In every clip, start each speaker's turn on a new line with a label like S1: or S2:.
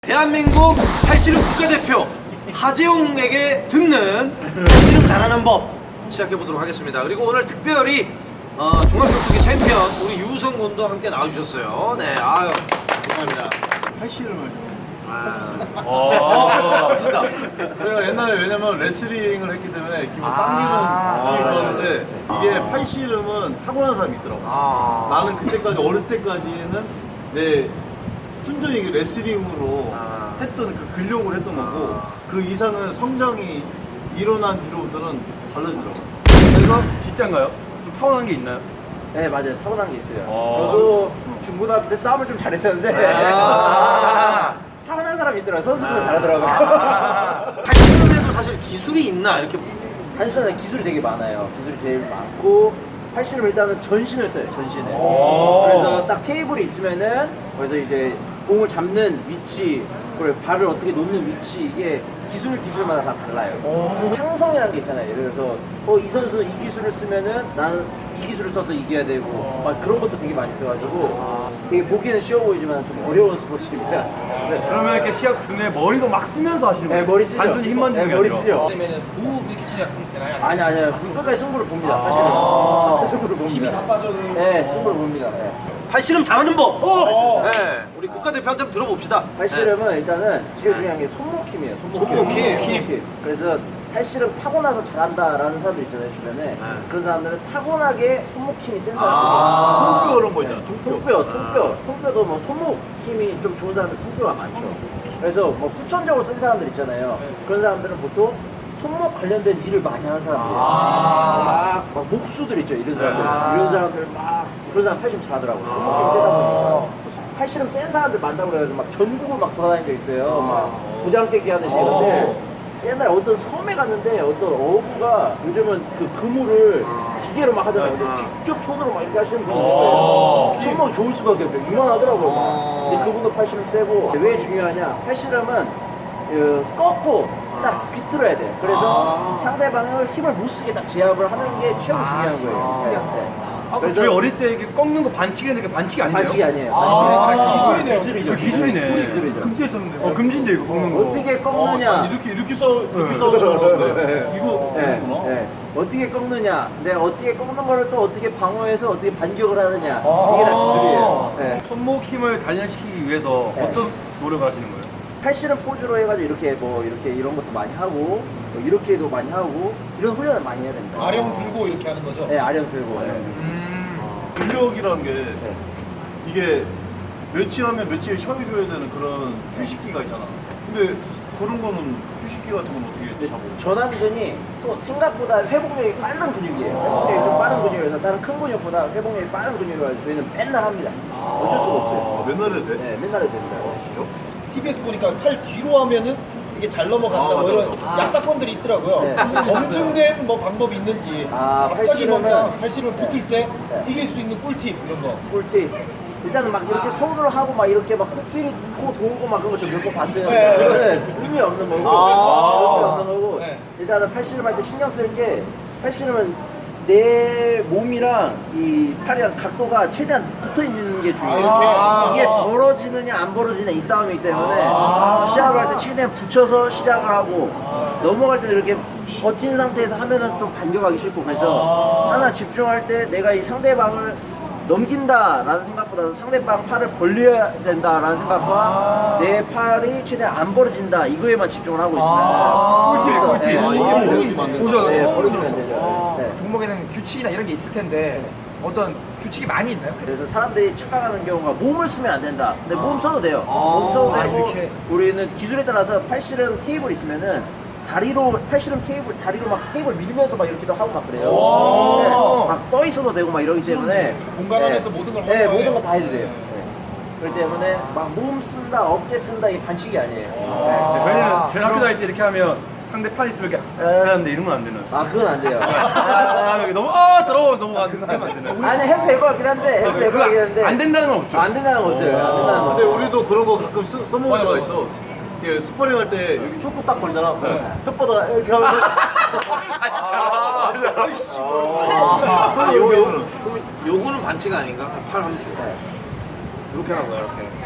S1: 대한민국 팔씨름 국가대표 하재홍에게 듣는 팔씨름 잘하는 법 시작해보도록 하겠습니다. 그리고 오늘 특별히 종합격투기 챔피언 우리 유성 군도 함께 나와주셨어요. 네, 아유 감사합니다.
S2: 팔씨름을 좀 했었어요.
S1: 진짜.
S2: 그래가 옛날에 왜냐면 레슬링을 했기 때문에 기본 당기는 좋았는데 이게 팔씨름은 타고난 사람이 있더라고. 나는 그때까지 어렸을 때까지는 내 순전히 레슬링으로 했던 그 근력을 했던 거고 그 이상은 성장이 일어난 뒤로부터는 달라지더라고.
S3: 그래서 진짜인가요? 좀 타고난 게 있나요?
S4: 네, 맞아요. 타고난 게 있어요. 저도 중고등학교 때 싸움을 좀 잘했었는데 타고난 사람이 있더라고요. 선수들은 다르더라고요.
S1: 팔씨름에도 사실 기술이 있나 이렇게.
S4: 단순한 기술이 되게 많아요. 기술이 제일 많고 팔씨름 일단은 전신을 써요. 전신을. 그래서 딱 테이블이 있으면은 거기서 이제 공을 잡는 위치, 그리고 발을 어떻게 놓는 위치 이게 기술마다 다 달라요. 상성이라는 게 있잖아요. 예를 들어서 이 선수는 이 기술을 쓰면은 나는 이 기술을 써서 이겨야 되고 막 그런 것도 되게 많이 써가지고 되게 보기에는 쉬워 보이지만 좀 어려운 스포츠입니다. 네.
S3: 그러면 이렇게 시합 중에 머리도 막 쓰면서 하시는 거예요?
S4: 네, 머리 쓰죠.
S3: 단순히 힘만 주는 게
S4: 머리
S3: 아니라.
S4: 쓰죠.
S5: 그러면은 무 이렇게 처리가 되나요?
S4: 아니요. 끝까지 승부를 봅니다. 사실은. 승부를 봅니다.
S5: 힘이 다 빠져도
S4: 네, 승부를 봅니다. 네.
S1: 팔씨름 잘하는 법. 네, 우리 국가대표한테 한번 들어봅시다.
S4: 팔씨름은 일단은 제일 중요한 게 손목 힘이에요. 손목 힘. 그래서 팔씨름 타고나서 잘한다라는 사람들 있잖아요, 주변에. 그런 사람들은 타고나게 손목 힘이 센 사람들이에요.
S2: 통뼈 이런 거 있잖아.
S4: 통뼈도 뭐 손목 힘이 좀 좋은 사람들 통뼈가 많죠. 그래서 뭐 후천적으로 센 사람들 있잖아요. 그런 사람들은 보통 손목 관련된 일을 많이 하는 사람들이에요. 막 목수들 있죠, 이런 사람들. 이런 사람들 막 그런 사람 팔씨름 잘하더라고요. 손목 힘이 세다 보니까. 팔씨름 센 사람들 많다고 그래서 막 전국을 막 돌아다닌 적 있어요. 막 도장 깨기 하듯이. 근데 옛날에 어떤 섬에 갔는데 어떤 어부가 요즘은 그 그물을 기계로 막 하잖아요. 근데 직접 손으로 막 이렇게 하시는 분이 있어요. 손목이 좋을 수밖에 없죠. 이만하더라고요. 막. 근데 그분도 팔씨름 세고. 왜 중요하냐? 팔씨름은 꺾고 딱 비틀어야 돼요. 그래서 상대방을 힘을 못 쓰게 딱 제압을 하는 게 최고 중요한 거예요. 네.
S3: 저희 어릴 때 이렇게 꺾는 거 반칙이었는데 그게 반칙이 아니에요?
S4: 반칙이 아니에요. 기술이죠.
S3: 기술이네.
S4: 기술이죠.
S2: 금지했었는데.
S3: 금지인데 이거 꺾는 거.
S4: 어떻게 꺾느냐?
S2: 이렇게 써는데 이거 되는구나.
S4: 네. 어떻게 꺾느냐? 어떻게 꺾는 거를 또 어떻게 방어해서 어떻게 반격을 하느냐? 이게 다 기술이에요. 네.
S3: 손목 힘을 단련시키기 위해서
S4: 네.
S3: 어떤 노력을 하시는 거예요?
S4: 팔씨름 포즈로 해가지고 이렇게 이런 것도 많이 하고 이렇게도 많이 하고 이런 훈련을 많이 해야 됩니다.
S5: 아령 들고 이렇게 하는 거죠?
S4: 네, 아령 들고.
S2: 근력이라는 게 이게 며칠 하면 며칠 쉬어줘야 되는 그런 휴식기가 있잖아. 근데 그런 거는 휴식기 같은 건 어떻게 잡아요?
S4: 전완근이 또 생각보다 회복력이 빠른 근육이에요. 회복력이 좀 빠른 근육이라서 다른 큰 근육보다 회복력이 빠른 근육이라서 저희는 맨날 합니다. 어쩔 수가 없어요.
S2: 맨날 해도 돼?
S4: 네, 맨날 해도 됩니다.
S5: TV에서 보니까 팔 뒤로 하면은 이게 잘 넘어간다 뭐 이런 약사건들이 있더라고요.
S4: 네.
S5: 검증된 뭐 방법이 있는지 갑자기 뭔가 팔씨름 붙을 때 이길 수 있는 꿀팁 이런 거.
S4: 꿀팁. 일단은 막 이렇게 손으로 하고 막 이렇게 막 코끼리 코 돌고 막 그런 거 저 몇 번 봤어요.
S5: 네.
S4: 이거는 의미 없는 거고. 의미 없는 거고.
S5: 네.
S4: 일단은 팔씨름 할 때 신경 쓸 게 팔씨름은 내 몸이랑 이 팔이랑 각도가 최대한 붙어 있는 게 중요해요. 이게 벌어지느냐 안 벌어지느냐 이 싸움이기 때문에 시작을 할 때 최대한 붙여서 시작을 하고 넘어갈 때 이렇게 버틴 상태에서 하면은 또 반격하기 쉽고 그래서 하나 집중할 때 내가 이 상대방을 넘긴다라는 생각보다는 상대방 팔을 벌려야 된다라는 생각과 내 팔이 최대한 안 벌어진다 이거에만 집중을 하고 있습니다.
S3: 꿀팁.
S4: 이게
S2: 벌어지면 안 된다.
S4: 벌어지면 안 되죠. 네.
S6: 종목에는 규칙이나 이런 게 있을 텐데 어떤 규칙이 많이 있나요?
S4: 그래서 사람들이 착각하는 경우가 몸을 쓰면 안 된다. 근데 몸 써도 돼요. 몸 써도 되고 우리는 기술에 따라서 팔씨름 테이블 있으면은 팔씨름 테이블 다리로 막 테이블 밀면서 막 이렇게도 하고 막 그래요. 네, 막 떠 있어도 되고 막 이러기 때문에
S5: 공간 안에서 모든 걸 하는
S4: 네,
S5: 거예요.
S4: 모든 거 다 해도 돼요. 네. 그렇기 때문에 막 몸 쓴다, 어깨 쓴다 이게 반칙이 아니에요.
S3: 저희 학교 다닐 때 이렇게 하면 상대 팔 있으면 이렇게 하는데 이런 건 안 되는.
S4: 아 그건 안 돼요.
S3: 여기 너무 더러워 넘어가는 하면 안 되는.
S4: 아니 해도 될 것 같긴 한데
S3: 안 된다는 건 없죠.
S4: 안 된다는 거 없어요. 안 된다는 거
S2: 근데
S4: 없어요.
S2: 우리도 그런 거 가끔 써먹는 데가 있어. 이게 스파링 할 때 여기 초코 딱 걸잖아. 혓바닥 이렇게 하면서.
S1: 요거는 반칙 아닌가? 팔 한쪽. 이렇게 하는 거야 이렇게.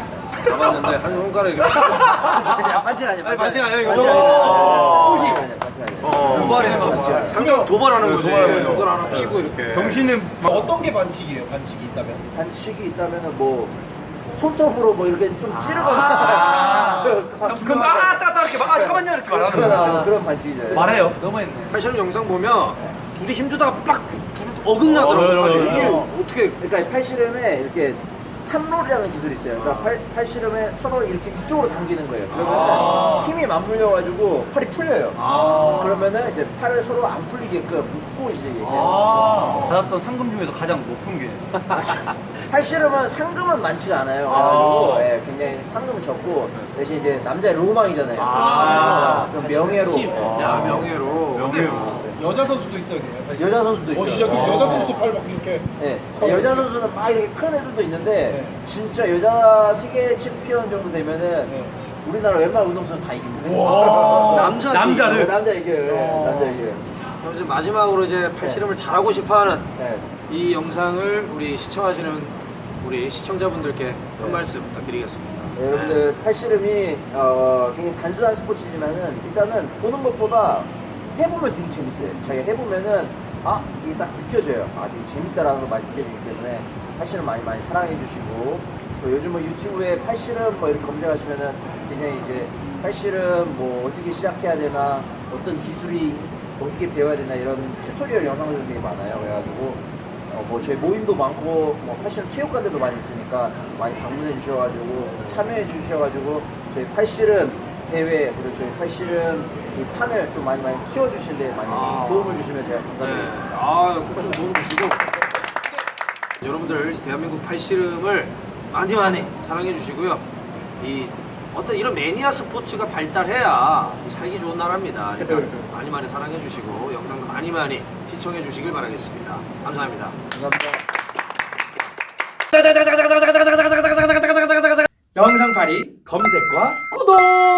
S1: 잡았는데 한 손가락 이렇게
S4: 야, 반칙 아니야.
S1: 아니, 반칙 아니야, 이거.
S4: 반칙 아니야. 반칙 아니야.
S1: 도발이네 막 상대방 도발하는 거지. 손가락 하나 피고 이렇게.
S3: 정신은 막
S5: 어떤 게 반칙이에요? 반칙이 있다면?
S4: 반칙이 있다면은 뭐 손톱으로 뭐 이렇게 좀 찌르거나
S3: 그럼 따따따 이렇게 막 잠깐만요 이렇게 말하는
S4: 그런 반칙이죠.
S3: 말해요.
S6: 너무했네.
S1: 팔씨름 영상 보면 둘이 힘주다가 빡 어긋나더라고요. 이게 어떻게
S4: 그러니까 팔씨름에 이렇게 탑롤이라는 기술이 있어요. 그러니까 팔씨름에 서로 이렇게 이쪽으로 당기는 거예요. 그러면 힘이 맞물려가지고 팔이 풀려요. 그러면은 이제 팔을 서로 안 풀리게끔 묶고 이제 이렇게.
S3: 받았던 상금 중에서 가장 높은 게
S4: 팔씨름은 상금은 많지가 않아요. 그래가지고 예, 굉장히 상금은 적고 대신 이제 남자의 로망이잖아요. 그래서 좀 명예로.
S1: 야 명예로. 근데
S5: 여자 선수도 있어요, 그러면?
S4: 여자 선수도 있죠.
S5: 진짜 그 여자 선수도 팔 막 이렇게.
S4: 네. 여자 선수는 막 이렇게 큰 애들도 있는데 진짜 여자 세계 챔피언 정도 되면은 우리나라 웬만한 운동선수 다 이깁니다.
S3: 남자들.
S4: 남자 이겨요. 남자 이겨요.
S1: 그럼 이제 마지막으로 이제 팔씨름을 잘하고 싶어하는
S4: 네.
S1: 이 영상을 우리 시청하시는 우리 시청자분들께 한 말씀 부탁드리겠습니다.
S4: 네, 여러분들 팔씨름이 굉장히 단순한 스포츠지만은 일단은 보는 것보다 해보면 되게 재밌어요. 자기가 해보면은 이게 딱 느껴져요. 되게 재밌다라는 걸 많이 느껴지기 때문에 팔씨름 많이 사랑해 주시고 또 요즘은 유튜브에 팔씨름 뭐 이렇게 검색하시면은 굉장히 이제 팔씨름 뭐 어떻게 시작해야 되나 어떤 기술이 어떻게 배워야 되나 이런 튜토리얼 영상들도 되게 많아요. 그래가지고 뭐 저희 모임도 많고 뭐 팔씨름 체육관들도 많이 있으니까 많이 방문해 주셔가지고 참여해 주셔가지고 저희 팔씨름 대회 그리고 저희 팔씨름 이 판을 좀 많이 키워주실래 많이 도움을 주시면 제가 감사드리겠습니다.
S1: 꼭좀 도움 주시고 여러분들 대한민국 팔씨름을 많이 사랑해 주시고요. 이 어떤 이런 매니아 스포츠가 발달해야 살기 좋은 나라입니다. 그러니까 많이 사랑해 주시고 영상도 많이 시청해 주시길 바라겠습니다. 감사합니다.
S4: 감사합니다.
S6: 영상팔이 검색과 구독!